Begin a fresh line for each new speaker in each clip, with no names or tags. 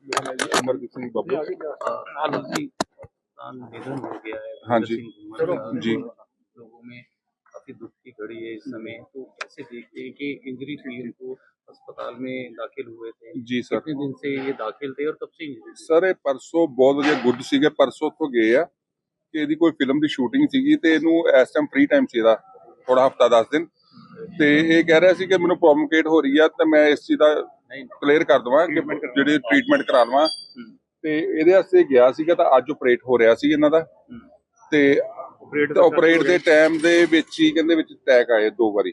अमरदीप सिंह बबलू।
निधन हो गया है
हाँ जी जी।
लोगों में काफी दुख की घड़ी है इस समय, तो कैसे देखते हैं कि इंजरी हुई उनको, अस्पताल में दाखिल हुए थे
जी सर।
कितने दिन से ये दाखिल थे और कब से इंजरी?
ਸਰ ਇਹ ਪਰਸੋਂ ਬਹੁਤ ਵਧੀਆ ਗੁੱਡ ਸੀਗੇ, ਪਰਸੋਂ ਤੋਂ ਗਏ ਆ ਕਿ ਇਹਦੀ ਕੋਈ ਫਿਲਮ ਦੀ ਸ਼ੂਟਿੰਗ ਸੀਗੀ ਤੇ ਇਹਨੂੰ ਇਸ ਟਾਈਮ ਫ੍ਰੀ ਟਾਈਮ ਸੀ ਇਹਦਾ ਥੋੜਾ ਹਫਤਾ 10 ਦਿਨ, ਤੇ ਇਹ ਕਹਿ ਰਿਹਾ ਸੀ ਕਿ ਮੈਨੂੰ ਪ੍ਰੋਬਲਮ ਕ੍ਰੀਏਟ ਹੋ ਰਹੀ ਆ ਤੇ ਮੈਂ ਇਸ ਚੀਜ਼ ਦਾ ਕਲੀਅਰ ਕਰ ਦਵਾਂ ਕਿ ਜਿਹੜੀ ਟ੍ਰੀਟਮੈਂਟ ਕਰਾ ਲਵਾਂ, ਤੇ ਇਹਦੇ ਵਾਸਤੇ ਗਿਆ ਸੀਗਾ ਤਾਂ ਅੱਜ ਆਪਰੇਟ ਹੋ ਰਿਹਾ ਸੀ ਇਹਨਾਂ ਦਾ, ਤੇ ਆਪਰੇਟ ਦੇ ਟਾਈਮ ਦੇ ਵਿੱਚ ਹੀ ਕਹਿੰਦੇ ਵਿੱਚ ਅਟੈਕ ਆਏ 2 ਵਾਰੀ,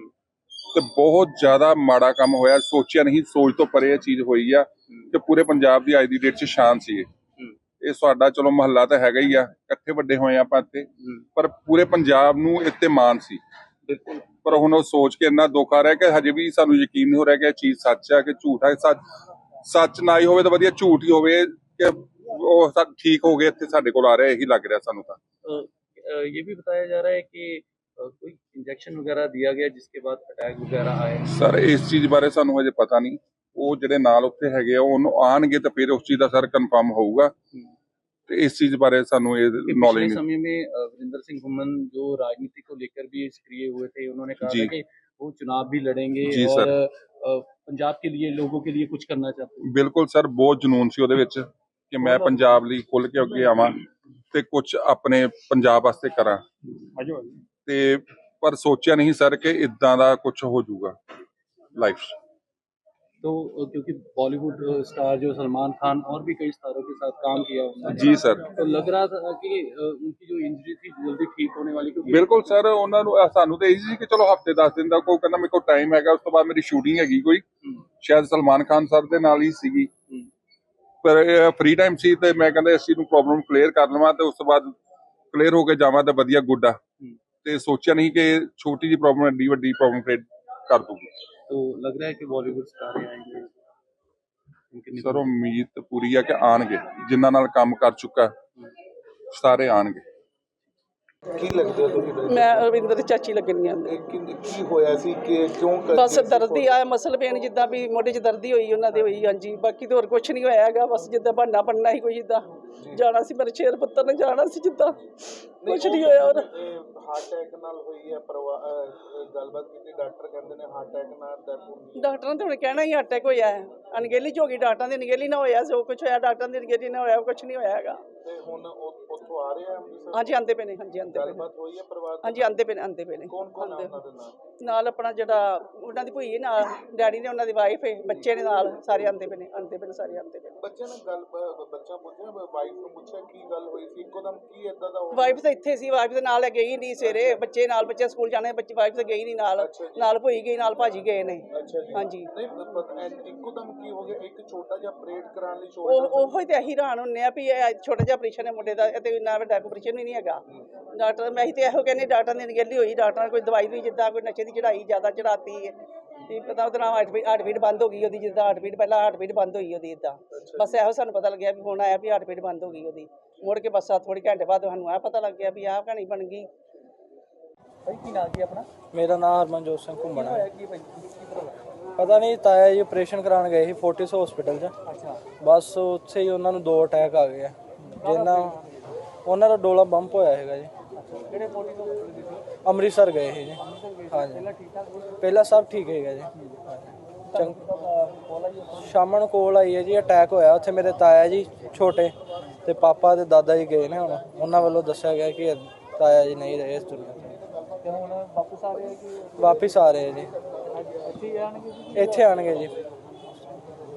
ਤੇ ਬਹੁਤ ਜ਼ਿਆਦਾ ਮਾੜਾ ਕੰਮ ਹੋਇਆ, ਸੋਚਿਆ ਨਹੀਂ, ਸੋਚ ਤੋਂ ਪਰੇ ਇਹ ਚੀਜ਼ ਹੋਈ ਆ ਕਿ ਪੂਰੇ ਪੰਜਾਬ ਦੀ ਅੱਜ ਦੀ ਡੇਟ 'ਚ ਸ਼ਾਨ ਸੀ ਇਹ ਸਾਡਾ, ਚਲੋ ਮਹੱਲਾ ਤਾਂ ਹੈਗਾ ਹੀ ਆ, ਇਕੱਠੇ ਵੱਡੇ ਹੋਏ ਆਪਾਂ ਇੱਥੇ, ਪਰ ਪੂਰੇ ਪੰਜਾਬ ਨੂੰ ਇੱਥੇ ਮਾਣ ਸੀ। ਪਰ ਹੁਣ ਉਹ ਸੋਚ ਕੇ ਇੰਨਾ ਦੁੱਖ ਆ ਰਿਹਾ ਕਿ ਹਜੇ ਵੀ ਸਾਨੂੰ ਯਕੀਨ ਨਹੀਂ ਹੋ ਰਿਹਾ ਕਿ ਇਹ ਚੀਜ਼ ਸੱਚ ਆ ਕਿ ਝੂਠ ਹੈ। ਸੱਚ ਨਾ ਹੀ ਹੋਵੇ ਤਾਂ ਵਧੀਆ, ਝੂਠ ਹੀ ਹੋਵੇ ਕਿ ਉਹ ਠੀਕ ਹੋ ਗਏ, ਇੱਥੇ ਸਾਡੇ ਕੋਲ ਆ ਰਿਹਾ, ਇਹੀ ਲੱਗ ਰਿਹਾ ਸਾਨੂੰ ਤਾਂ।
ये भी बताया जा रहा है कि कोई इंजेक्शन वगैरह दिया गया जिसके बाद अटैक वगैरह आए।
ਸਰ ਇਸ ਚੀਜ਼ ਬਾਰੇ ਸਾਨੂੰ ਹਜੇ ਪਤਾ ਨਹੀਂ, ਉਹ ਜਿਹੜੇ ਨਾਲ ਉੱਥੇ ਹੈਗੇ ਆ ਉਹਨੂੰ ਆਣਗੇ ਤਾਂ ਫਿਰ ਉਸ ਚੀਜ਼ ਦਾ ਸਰ ਕਨਫਰਮ ਹੋਊਗਾ, ਤੇ ਇਸ ਚीज बारे सानू ये नॉलेज नहीं।
समय में वीरेंद्र सिंह घुमन जो राजनीति को लेकर भी सक्रिय हुए थे, उन्होंने कहा था कि वो चुनाव भी लड़ेंगे और पंजाब के लिए, लोगों के लिए कुछ करना चाहते हैं।
बिल्कुल सर, बहुत जुनून सी ਉਹਦੇ ਵਿੱਚ ਕਿ ਮੈਂ ਪੰਜਾਬ ਲਈ ਖੁੱਲ ਕੇ ਅੱਗੇ ਆਵਾਂ ਤੇ ਕੁਝ ਆਪਣੇ ਪੰਜਾਬ ਵਾਸਤੇ ਕਰਾਂ, ਤੇ ਪਰ ਸੋਚਿਆ ਨਹੀਂ ਸਰ ਕਿ ਇਦਾਂ ਦਾ ਕੁਝ ਹੋ ਜਾਊਗਾ ਲਾਈਫ 'ਚ।
तो क्योंकि बॉलीवुड स्टार जो सलमान खान और भी कई स्टारों के साथ काम किया उन्होंने,
जी सर,
तो लग रहा था कि उनकी जो इंजरी थी जल्दी ठीक होने वाली, क्योंकि
बिल्कुल सर ਉਹਨਾਂ ਨੂੰ ਸਾਨੂੰ ਤਾਂ ਇਹੀ ਸੀ ਕਿ ਚਲੋ ਹਫਤੇ 10 ਦਿਨ ਦਾ ਕੋਈ ਕਹਿੰਦਾ ਮੇਰੇ ਕੋਲ ਟਾਈਮ ਹੈਗਾ, ਉਸ ਤੋਂ ਬਾਅਦ ਮੇਰੀ ਸ਼ੂਟਿੰਗ ਹੈਗੀ ਕੋਈ ਸ਼ਾਇਦ ਸਲਮਾਨ ਖਾਨ ਸਰ ਦੇ ਨਾਲ ਹੀ ਸੀਗੀ, ਪਰ ਫ੍ਰੀ ਟਾਈਮ ਸੀ ਤੇ ਮੈਂ ਕਹਿੰਦਾ ਇਸ ਚੀਜ਼ ਨੂੰ ਪ੍ਰੋਬਲਮ ਕਲੀਅਰ ਕਰ ਲਵਾਂ ਤੇ ਉਸ ਤੋਂ ਬਾਅਦ ਕਲੀਅਰ ਹੋ ਕੇ ਜਾਵਾਂ ਤਾਂ ਵਧੀਆ ਗੁੱਡ ਆ, ਤੇ ਸੋਚਿਆ ਨਹੀਂ ਕਿ ਛੋਟੀ ਜਿਹੀ ਪ੍ਰੋਬਲਮ ਐਡੀ ਵੱਡੀ ਪ੍ਰੋਬਲਮ ਕ੍ਰੀਏਟ ਕਰ ਦੂਗੀ।
तो लग रहा है कि बॉलीवुड स्टार आएंगे
सर, उम्मीद तो पूरी है कि आएंगे, जिन्हां नाल काम कर चुका सारे आएंगे।
ਕੀ ਲੱਗਦਾ ਤੁਹਾਨੂੰ?
ਮੈਂ ਰਵਿੰਦਰ ਦੀ ਚਾਚੀ ਲੱਗਣੀ ਆ।
ਕੀ ਹੋਇਆ ਸੀ ਕਿ ਕਿਉਂ
ਬਸ ਦਰਦ ਹੀ ਆ, ਮਸਲ ਪੇਨ ਜਿੱਦਾਂ ਵੀ ਮੋਢੇ 'ਚ ਦਰਦ ਹੀ ਹੋਈ ਉਹਨਾਂ ਦੇ ਹੋਈ। ਹਾਂਜੀ, ਬਾਕੀ ਤਾਂ ਹੋਰ ਕੁਝ ਨਹੀਂ ਹੋਇਆ ਹੈਗਾ, ਬਸ ਜਿੱਦਾਂ ਬਹਾਨਾ ਬਣਨਾ ਸੀ ਕੋਈ, ਜਿੱਦਾਂ ਜਾਣਾ ਸੀ ਮੇਰੇ ਸ਼ੇਰ ਪੁੱਤਰ ਨੇ ਜਾਣਾ ਸੀ, ਜਿੱਦਾਂ ਕੁਝ ਨਹੀਂ ਹੋਇਆ। ਔਰ
ਹਾਰਟ ਅਟੈਕ ਨਾਲ ਹੋਈ ਹੈ ਗੱਲਬਾਤ ਕੀਤੀ, ਡਾਕਟਰ ਕਹਿੰਦੇ ਨੇ ਹਾਰਟ ਅਟੈਕ ਨਾਲ ਡੈਥ ਹੋਈ।
ਡਾਕਟਰਾਂ ਨੇ ਹੁਣ ਕਹਿਣਾ ਹੀ ਅਟੈਕ ਹੋਇਆ ਹੈ, ਅਣਗਹਿਲੀ 'ਚ ਹੋ ਗਈ, ਡਾਕਟਰਾਂ ਦੀ ਅਣਗਹਿਲੀ ਨਾ ਹੋਇਆ, ਜੋ ਕੁਝ ਹੋਇਆ ਡਾਕਟਰਾਂ ਦੀ ਅਣਗਹਿਲੀ ਨਾ ਹੋਇਆ, ਕੁਝ ਨਹੀਂ ਹੋਇਆ ਹੈਗਾ।
ਤੇ ਹੁਣ ਉੱਥੋਂ ਆ ਰਹੇ ਆ ਅੰਮ੍ਰਿਤਸਰ?
ਹਾਂਜੀ ਆਂਦੇ ਪਏ ਨੇ, ਹਾਂਜੀ ਆਂਦੇ ਪਏ ਨੇ।
ਗੱਲਬਾਤ ਹੋਈ ਹੈ ਪਰਿਵਾਰ?
ਹਾਂਜੀ ਆਂਦੇ ਪਏ ਨੇ, ਆਂਦੇ ਪਏ ਨੇ।
ਕੌਣ ਕੌਣ ਉਹਨਾਂ ਦੇ
ਨਾਲ ਆਪਣਾ ਜਿਹੜਾ ਉਹਨਾਂ ਦੀ ਭੂਈ ਨਾਲ, ਡੈਡੀ ਨੇ, ਉਹਨਾਂ ਦੀ ਵਾਈਫ ਹੈ, ਬੱਚੇ ਨੇ ਨਾਲ, ਸਾਰੇ ਆਂਦੇ ਪਏ ਨੇ, ਸਾਰੇ ਆਂਦੇ ਪਏ ਨੇ।
ਬੱਚੇ ਨੇ ਗੱਲ ਬੱਚਾ ਪੁੱਛਿਆ, ਵਾਈਫ ਨੂੰ ਪੁੱਛਿਆ ਕੀ ਗੱਲ ਹੋਈ ਸੀ ਇੱਕੋਦਮ, ਕੀ ਏਦਾਂ ਦਾ?
ਵਾਈਫ ਤਾਂ ਇੱਥੇ ਸੀ, ਵਾਈਫ ਦੇ ਨਾਲ ਗਈ ਨਹੀਂ ਸਵੇਰੇ, ਬੱਚੇ ਨਾਲ, ਬੱਚੇ ਸਕੂਲ ਜਾਣੇ, ਬੱਚੇ ਵਾਈਫ ਤਾਂ ਗਈ ਨਹੀਂ ਨਾਲ, ਨਾਲ ਭੂਈ ਗਈ, ਨਾਲ ਭਾਜੀ ਗਏ ਨੇ। ਹਾਂਜੀ,
ਨਹੀਂ ਇੱਕੋਦਮ ਕੀ ਹੋ ਗਿਆ? ਇੱਕ ਛੋਟਾ ਜਿਹਾ ਆਪਰੇਟ ਕਰਾਉਣ ਲਈ
ਉਹੋ ਹੀ ਤੇ ਅਸੀਂ ਹੈਰਾਨ ਹੁੰਨੇ ਆ ਵੀ ਇਹ ਛੋਟਾ ਜਿਹਾ ਆਪਰੇਸ਼ਨ ਹੈ ਮੁੰਡੇ ਦਾ, ਤੇ ਇੰਨਾ ਵੱਡਾ ਆਪਰੇਸ਼ਨ ਵੀ ਨਹੀਂ ਹੈਗਾ। ਡਾਕਟਰ ਮੈਂ ਤੇ ਇਹੋ ਕਹਿੰਦੇ, ਡਾਕਟਰ ਦੀ ਅਣਗਹਿਲੀ ਹੋਈ, ਡਾਕਟਰ ਨੇ ਕੋਈ ਦਵਾਈ ਵੀ ਜਿੱਦਾਂ ਕੋਈ ਨਸ਼ੇ ਦੀ ਚੜਾਈ ਜ਼ਿਆਦਾ ਚੜਾਤੀ ਹੈ, ਤੇ ਪਤਾ ਉਹਦਾ ਨਾਮ ਹਾਰਟ ਬੀਟ ਬੰਦ ਹੋ ਗਈ ਉਹਦੀ, ਜਿੱਦਾਂ ਹਾਰਟ ਬੀਟ ਪਹਿਲਾਂ ਹਾਰਟ ਬੀਟ ਬੰਦ ਹੋਈ ਉਹਦੀ, ਇੱਦਾਂ ਬਸ ਇਹੋ ਸਾਨੂੰ ਪਤਾ ਲੱਗਿਆ ਵੀ ਹੁਣ ਆਇਆ ਵੀ ਹਾਰਟ ਬੀਟ ਬੰਦ ਹੋ ਗਈ ਉਹਦੀ। ਮੁੜ ਕੇ ਬਸ ਥੋੜ੍ਹੇ ਘੰਟੇ ਬਾਅਦ ਸਾਨੂੰ ਆਹ ਪਤਾ ਲੱਗ ਗਿਆ ਵੀ ਆਹ ਕਹਾਣੀ ਬਣ ਗਈ।
ਕੀ ਨਾਂ ਕੀ ਆਪਣਾ?
ਮੇਰਾ ਨਾਮ ਹਰਮਨਜੋਤ ਸਿੰਘ ਘੁੰਮਣ ਹੈ। ਪਤਾ ਨਹੀਂ, ਤਾਇਆ ਜੀ ਆਪਰੇਸ਼ਨ ਕਰਾਉਣ ਗਏ ਸੀ ਫੋਰਟਿਸ ਹਸਪੀਟਲ 'ਚ, ਬਸ ਉੱਥੇ ਹੀ ਉਹਨਾਂ ਨੂੰ 2 ਅਟੈਕ ਆ ਗਏ, ਜਿੰਨਾ ਉਹਨਾਂ ਦਾ ਡੋਲਾ ਬੰਪ ਹੋਇਆ ਹੈਗਾ ਜੀ। ਅੰਮ੍ਰਿਤਸਰ ਗਏ ਸੀ ਜੀ। ਹਾਂਜੀ, ਪਹਿਲਾਂ ਸਭ ਠੀਕ ਹੈਗਾ ਜੀ। ਸ਼ਾਮ ਨੂੰ ਕੋਲ ਆਈ ਹੈ ਜੀ, ਅਟੈਕ ਹੋਇਆ ਉੱਥੇ। ਮੇਰੇ ਤਾਇਆ ਜੀ ਛੋਟੇ ਤੇ ਪਾਪਾ ਤੇ ਦਾਦਾ ਜੀ ਗਏ ਨੇ, ਹੁਣ ਉਹਨਾਂ ਵੱਲੋਂ ਦੱਸਿਆ ਗਿਆ ਕਿ ਤਾਇਆ ਜੀ ਨਹੀਂ ਰਹੇ ਇਸ ਦੁਨੀਆ ਤੇ। ਹੁਣ ਵਾਪਸ ਆ ਰਹੇ ਜੀ? ਇੱਥੇ ਆਣਗੇ ਜੀ।